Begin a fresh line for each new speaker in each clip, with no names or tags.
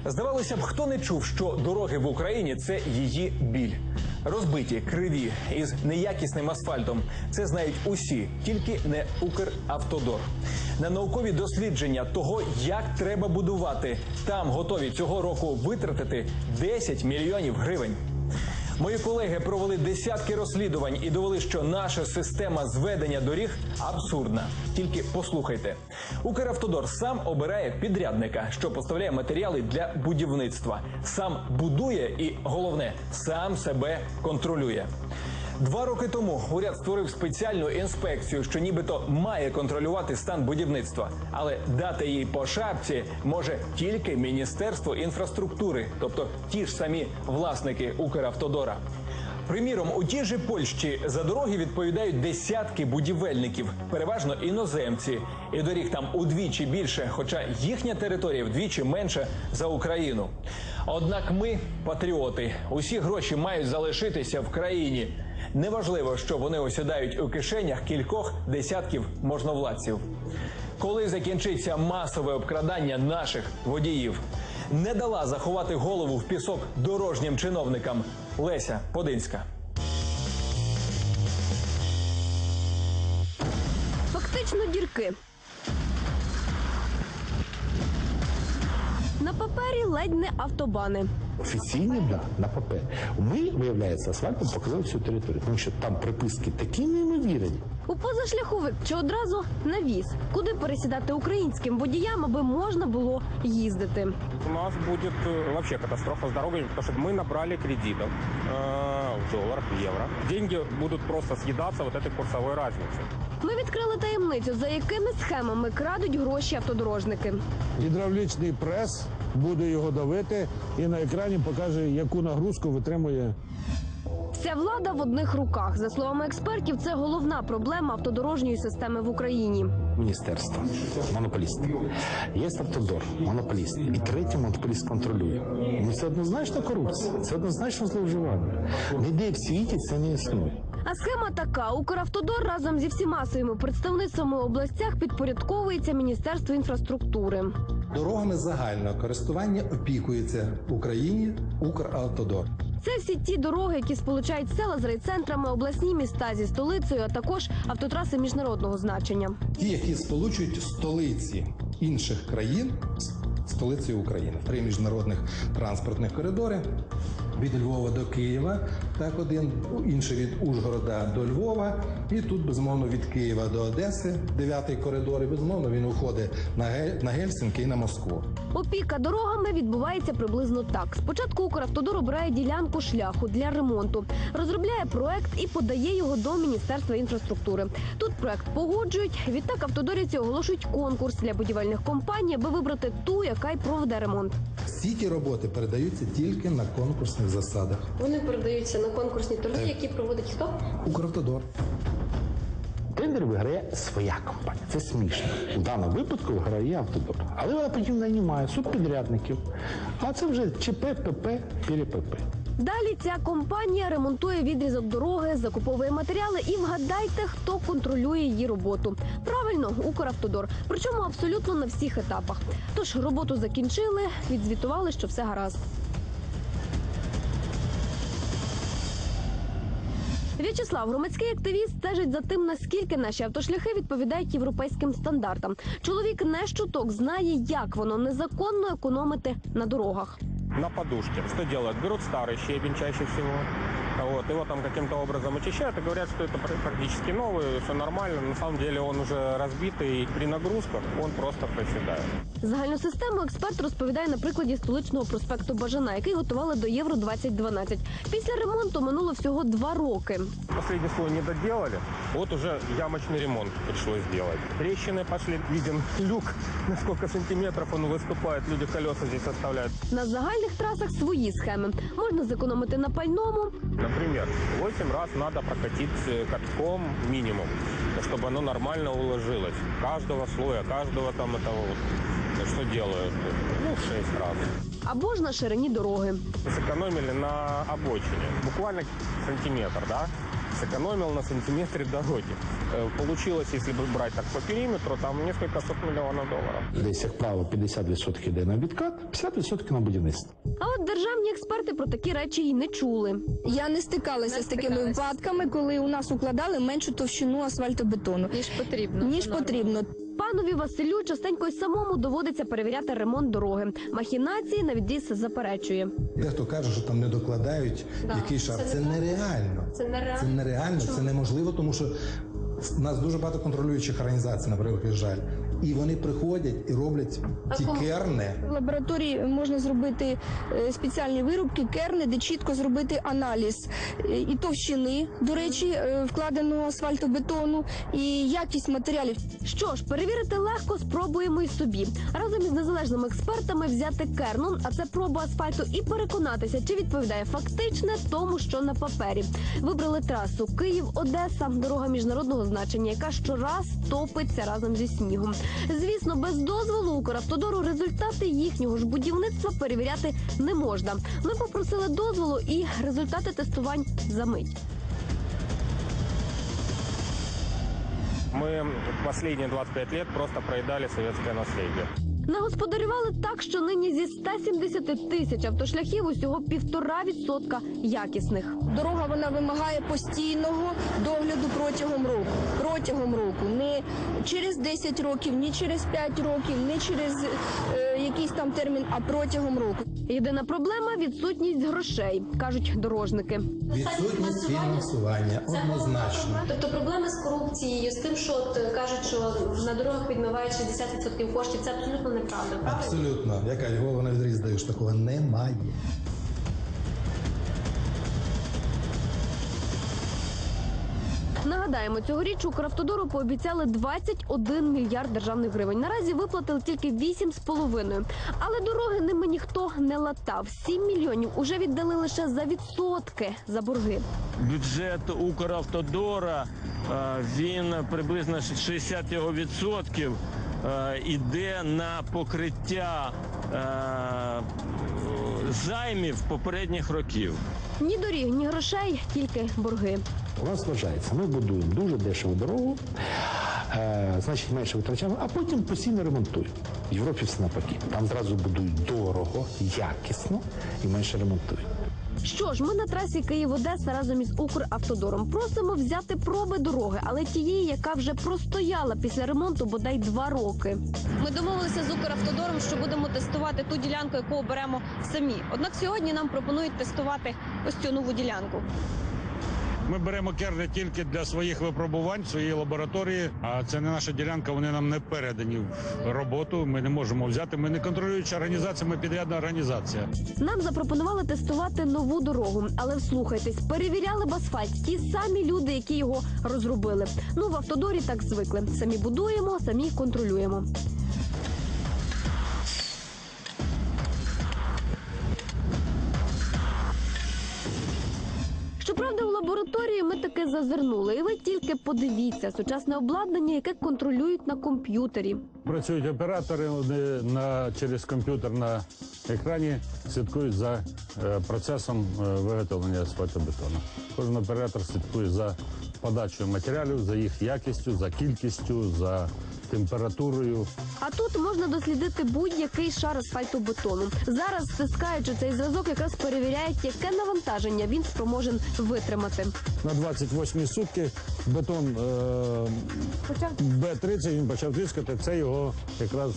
Здавалося б, хто не чув, що дороги в Україні – це її біль. Розбиті, криві, із неякісним асфальтом. Це знають усі, тільки не Укравтодор. На наукові дослідження того, як треба будувати, там готові цього року витратити 10 мільйонів гривень. Мої колеги провели десятки розслідувань і довели, що наша система зведення доріг абсурдна. Тільки послухайте. Укравтодор сам обирає підрядника, що поставляє матеріали для будівництва. Сам будує і, головне, сам себе контролює. 2 роки тому уряд створив спеціальну інспекцію, що нібито має контролювати стан будівництва. Але дати їй по шапці може тільки Міністерство інфраструктури, тобто ті ж самі власники Укравтодора. Приміром, у тій же Польщі за дороги відповідають десятки будівельників, переважно іноземці. І доріг там удвічі більше, хоча їхня територія вдвічі менша за Україну. Однак ми – патріоти. Усі гроші мають залишитися в країні. Неважливо, що вони осідають у кишенях кількох десятків можновладців. Коли закінчиться масове обкрадання наших водіїв? Не дала заховати голову в пісок дорожнім чиновникам Леся Подинська.
Фактично дірки. На папері ледь не автобани.
Офіційні, да, на папері. Ми, виявляється, асфальтом показали всю територію, тому що там приписки такі неймовірні.
У позашляховик чи одразу на віз. Куди пересідати українським водіям, аби можна було їздити?
У нас будет вообще катастрофа с дорогами, потому что мы набрали кредитов в долларах, в евро. Деньги будут просто съедаться вот этой курсовой разницей.
Ми відкрили таємницю, за якими схемами крадуть гроші автодорожники.
Гідравлічний прес буде його давити і на екрані покаже, яку нагрузку витримує.
Вся влада в одних руках. За словами експертів, це головна проблема автодорожньої системи в Україні.
Міністерство, монополіст. Є автодор, монополіст. І третій монополіст контролює. Ну це однозначно корупція, це однозначно зловживання. Ніде в світі це не існує.
А схема така. Укравтодор разом зі всіма своїми представництвами в областях підпорядковується Міністерству інфраструктури.
Дорогами загального користування опікується в Україні Укравтодор.
Це всі ті дороги, які сполучають села з райцентрами, обласні міста зі столицею, а також автотраси міжнародного значення.
Ті, які сполучують столиці інших країн з столицею України. 3 міжнародних транспортних коридори від Львова до Києва, так один, інший від Ужгорода до Львова, і тут, безумовно, від Києва до Одеси, 9-й коридор, і, безумовно, він уходить на Гельсінки і на Москву.
Опіка дорогами відбувається приблизно так. Спочатку Укравтодор обирає ділянку шляху для ремонту, розробляє проект і подає його до Міністерства інфраструктури. Тут проект погоджують, відтак автодорівці оголошують конкурс для будівельних компаній, аби вибрати ту, яка й проведе ремонт.
Всі ті роботи передаються тільки на конкурсних засадах.
Вони передаються на конкурсні торги, які проводить хто?
Укравтодор.
Тендер виграє своя компанія. Це смішно. У даному випадку виграє автодор. Але вона потім наймає субпідрядників. А це вже ЧП, ПП, ПРПП.
Далі ця компанія ремонтує відрізок дороги, закуповує матеріали і вгадайте, хто контролює її роботу. Правильно, Укравтодор. Причому абсолютно на всіх етапах. Тож роботу закінчили, відзвітували, що все гаразд. В'ячеслав, громадський активіст, стежить за тим, наскільки наші автошляхи відповідають європейським стандартам. Чоловік не щуток знає, як воно незаконно економити на дорогах.
На подушке. Что делают? Берут старый щебень чаще всего. Вот, его там каким-то образом очищают и говорят, что это практически новый, все нормально. На самом деле он уже разбитый, и при нагрузках он просто проседает.
Загальну систему експерт розповідає на прикладі столичного проспекту Бажана, який готували до Євро-2012. Після ремонту минуло всього 2 роки.
Последний слой не доделали, вот уже ямочный ремонт пришлось сделать. Трещины пошли, виден люк, на сколько сантиметров он выступает, люди колеса здесь оставляют.
На загальних трасах свої схеми. Можна зекономити на пальному.
Например, 8 раз надо прокатить катком минимум, чтобы оно нормально уложилось. Каждого слоя, каждого там этого вот. Что делают? 6 раз.
Або ж на ширині дороги.
Сэкономили на обочине. Буквально сантиметр, да? сэкономил на сантиметре дороги. Получилось, если бы брать так по периметру, там несколько сот миллионов долларов.
Десь, як правило, 50% йде на відкат, 50% на будівництво.
А от державні експерти про такі речі й не чули.
Я не стикалася з такими випадками, коли у нас укладали меншу товщину асфальтобетону, ніж потрібно.
Панові Василю частенько й самому доводиться перевіряти ремонт дороги. Махінації на відріз заперечує.
Дехто каже, що там не докладають який шар. Це нереально. Це нереально, це неможливо, тому що в нас дуже багато контролюючих організацій, наприклад, жаль. І вони приходять і роблять ті керни.
В лабораторії можна зробити спеціальні вирубки, керни, де чітко зробити аналіз і товщини, до речі, вкладеного асфальтобетону, і якість матеріалів.
Що ж, перевірити легко, спробуємо й собі. Разом із незалежними експертами взяти керну, а це проба асфальту, і переконатися, чи відповідає фактичне тому, що на папері. Вибрали трасу Київ-Одеса, дорога міжнародного значення, яка щораз топиться разом зі снігом. Звісно, без дозволу Укравтодору результати їхнього ж будівництва перевіряти не можна. Ми попросили дозволу і результати тестувань за мить.
Мы последние 25 лет просто проедали советское наследие.
Нагосподарювали так, що нині зі 170 тисяч автошляхів усього 1,5% якісних.
Дорога вона вимагає постійного догляду протягом року. Не через 10 років, ні через 5 років, не через якийсь там термін, а протягом року.
Єдина проблема – відсутність грошей, кажуть дорожники.
Відсутність фінансування однозначно.
Тобто проблеми з корупцією, з тим, що кажуть, що на дорогах відмивають 60% коштів, це абсолютно неправда, правда?
Абсолютно. Я кажу, голову на відріз даю, що такого немає.
Нагадаємо, цьогоріч Укравтодору пообіцяли 21 мільярд державних гривень. Наразі виплатили тільки 8,5. Але дороги ними ніхто не латав. 7 мільйонів уже віддали лише за відсотки за борги.
Бюджет Укравтодора, він приблизно 60% іде на покриття займів попередніх років.
Ні доріг, ні грошей, тільки борги.
У нас вважається, ми будуємо дуже дешеву дорогу, значить менше витрачаємо, а потім постійно ремонтуємо. В Європі все навпаки. Там зразу будують дорого, якісно і менше ремонтують.
Що ж, ми на трасі Київ-Одеса разом із Укравтодором просимо взяти проби дороги, але тієї, яка вже простояла після ремонту бодай 2 роки. Ми домовилися з Укравтодором, що будемо тестувати ту ділянку, яку оберемо самі. Однак сьогодні нам пропонують тестувати ось цю нову ділянку.
Ми беремо керни тільки для своїх випробувань, своєї лабораторії, а це не наша ділянка, вони нам не передані в роботу, ми не можемо взяти, ми не контролююча організація, ми підрядна організація.
Нам запропонували тестувати нову дорогу, але вслухайтесь, перевіряли б асфальт ті самі люди, які його розробили. Ну, в Автодорі так звикли. Самі будуємо, самі контролюємо. Щоправда, у лабораторії ми таки зазирнули. І ви тільки подивіться, сучасне обладнання, яке контролюють на комп'ютері.
Працюють оператори, вони через комп'ютер на екрані слідкують за процесом виготовлення асфальтобетону. Кожен оператор слідкує за подачою матеріалів, за їх якістю, за кількістю, за температурою.
А тут можна дослідити будь-який шар асфальтобетону. Зараз, стискаючи цей зразок, якраз перевіряють, яке навантаження він спроможен витримати.
На 28 сутки бетон Б-30, він почав тріскати, це його якраз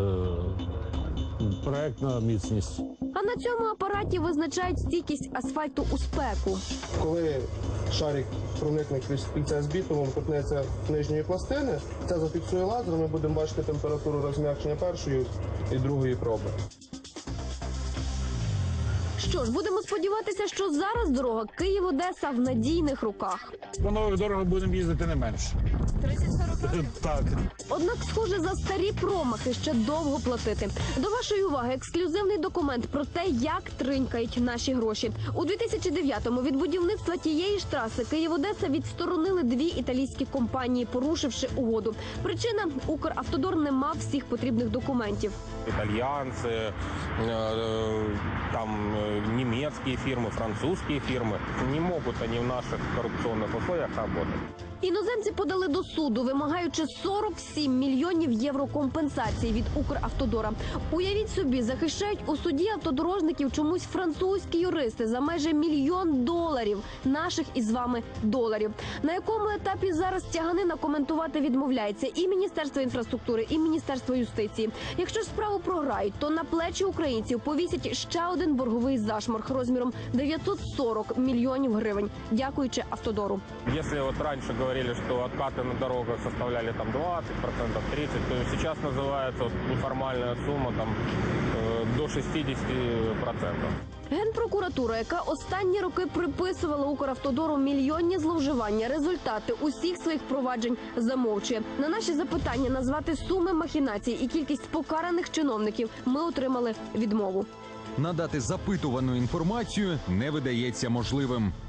проектна міцність.
А на цьому апараті визначають стійкість асфальту у спеку.
Коли шарик проникне крізь кільце з бітумом, торкнеться нижньої пластини, це зафіксує лазер, ми будемо бачити температуру розм'якшення першої і другої проби.
Що ж, будемо сподіватися, що зараз дорога Київ-Одеса в надійних руках.
По нових дорогах будемо їздити не менше. 30-40 років? Так.
Однак, схоже, за старі промахи ще довго платити. До вашої уваги ексклюзивний документ про те, як тринькають наші гроші. У 2009-му від будівництва тієї ж траси Київ-Одеса відсторонили 2 італійські компанії, порушивши угоду. Причина – Укравтодор не мав всіх потрібних документів.
Итальянцы, там немецкие фирмы, французские фирмы. Не могут они в наших коррупционных условиях работать.
Іноземці подали до суду, вимагаючи 47 мільйонів євро компенсації від Укравтодора. Уявіть собі, захищають у суді автодорожників чомусь французькі юристи за майже $1 мільйон наших із вами доларів. На якому етапі зараз тяганина коментувати відмовляється і Міністерство інфраструктури, і Міністерство юстиції. Якщо ж справу програють, то на плечі українців повісять ще один борговий зашморг розміром 940 мільйонів гривень, дякуючи Автодору.
Если вот раньше говорили, что откаты на дорогах составляли там 20%, 30%, то сейчас называется вот неформальная сумма там до 60%.
Генпрокуратура, яка останні роки приписувала Укравтодору мільйонні зловживання, результати усіх своїх проваджень замовчує. На наші запитання назвати суми махінацій і кількість покараних чиновників ми отримали відмову.
Надати запитувану інформацію не видається можливим.